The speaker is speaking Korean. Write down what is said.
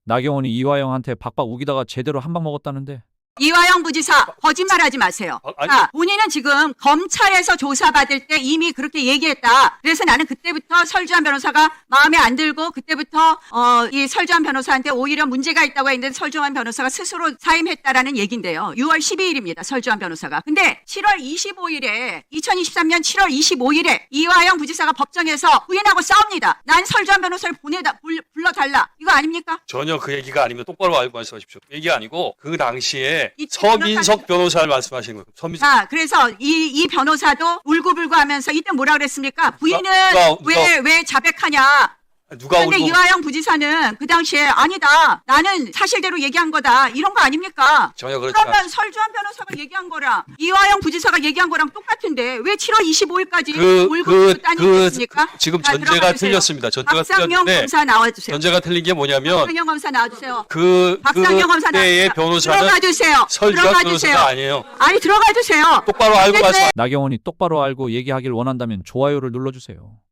나경원이 이화영한테 박박 우기다가 제대로 한 방 먹었다는데. 이화영 부지사 거짓말하지 마세요. 아니. 자, 본인은 지금 검찰에서 조사받을 때 이미 그렇게 얘기했다. 그래서 나는 그때부터 설주한 변호사가 마음에 안 들고 그때부터 이 설주한 변호사한테 오히려 문제가 있다고 했는데 설주한 변호사가 스스로 사임했다라는 얘기인데요. 6월 12일입니다. 설주한 변호사가. 근데 7월 25일에 2023년 7월 25일에 이화영 부지사가 법정에서 부인하고 싸웁니다. 난 설주한 변호사를 불러달라. 이거 아닙니까? 전혀 그 얘기가 아닙니다. 똑바로 알고 말씀하십시오. 그 얘기가 아니고 그 당시에 이 서민석 변호사를 말씀하시는 거예요. 서민석. 자, 그래서 이 변호사도 울고불고 하면서 이때 뭐라 그랬습니까? 부인은 왜 자백하냐? 누가 그런데 울고 이화영 부지사는 그 당시에 아니다. 나는 사실대로 얘기한 거다. 이런 거 아닙니까? 전혀 그렇지 그러면 않습니다. 설주한 변호사가 얘기한 거랑 이화영 부지사가 얘기한 거랑 똑같은데 왜 7월 25일까지 울고불고 따니겠습니까? 지금 전제가 틀렸습니다. 전제가 박상영 틀렸는데 검사 나와주세요. 전제가 틀린 게 뭐냐면 박상영 검사 나와주세요. 그때의 박상영 검사 나와주세요. 변호사는 들어가 주세요. 설주한 들어가 변호사가 주세요. 아니에요. 아니 들어가 주세요. 똑바로 알고 말씀. 나경원이 똑바로 알고 얘기하길 원한다면 좋아요를 눌러주세요.